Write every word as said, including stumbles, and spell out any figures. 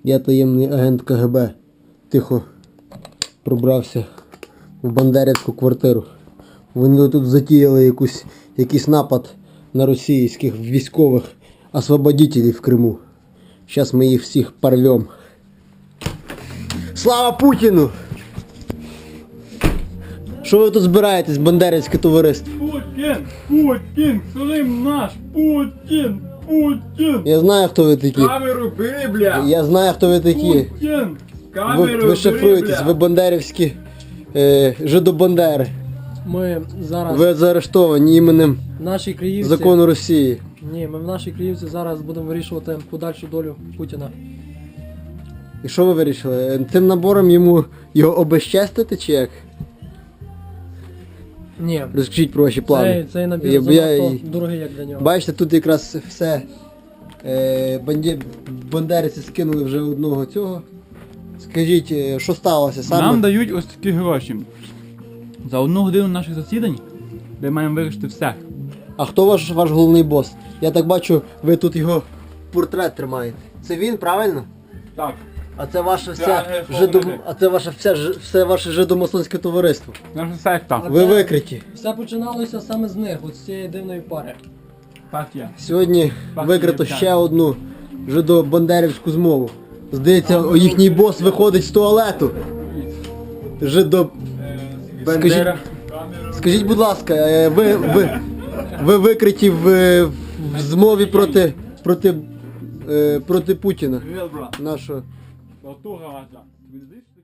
Я таємний агент Ка Ге Бе. Тихо пробрався в бандерівську квартиру. Вони тут затіяли якусь, якийсь напад на російських військових освободителів в Криму. Зараз ми їх всіх порвем. Слава Путіну! Що ви тут збираєтесь, бандерівське товариство? Путін! Путін! Крим наш! Путін! Путін! Я знаю, хто ви такі. Камеру бери, бля! Я знаю, хто ви такі. Путін! Ви, Камеру ви шифруєтесь, бери, ви бля! бандерівські е, жидобандери. Ми зараз Ви заарештовані іменем в нашій Криївці. закону Росії. Ні, ми в нашій Криївці зараз будемо вирішувати подальшу долю Путіна. І що ви вирішили? Тим набором йому його обезчестити чи як? Ні. Розкажіть про ваші плани. Цей, цей набір Я- я- занадто дорогий, як для нього. Бачите, тут якраз все. Е, банді... Бандерівці скинули вже одного цього. Скажіть, е, що сталося саме? Нам дають ось такі гроші. За одну годину наших засідань ми маємо вирішити все. А хто ваш, ваш головний бос? Я так бачу, ви тут його портрет тримаєте. Це він, правильно? Так. А це ваше все Це жидо... головне. а це ваше все, ж- все ваше жидомасонське товариство. Наша секта. Ви викриті. Все починалося саме з них, от з цієї дивної пари. Партія. Сьогодні Бах, викрито є, ще так. одну жидо-бандерівську змову. Здається, о, їхній бос виходить з туалету. Жидо... Бандера. Скажіть, будь ласка, е, ви, ви, ви викриті в, в змові проти, проти, е, проти Путіна, Привіт, брат. нашого. Готова, Тобі не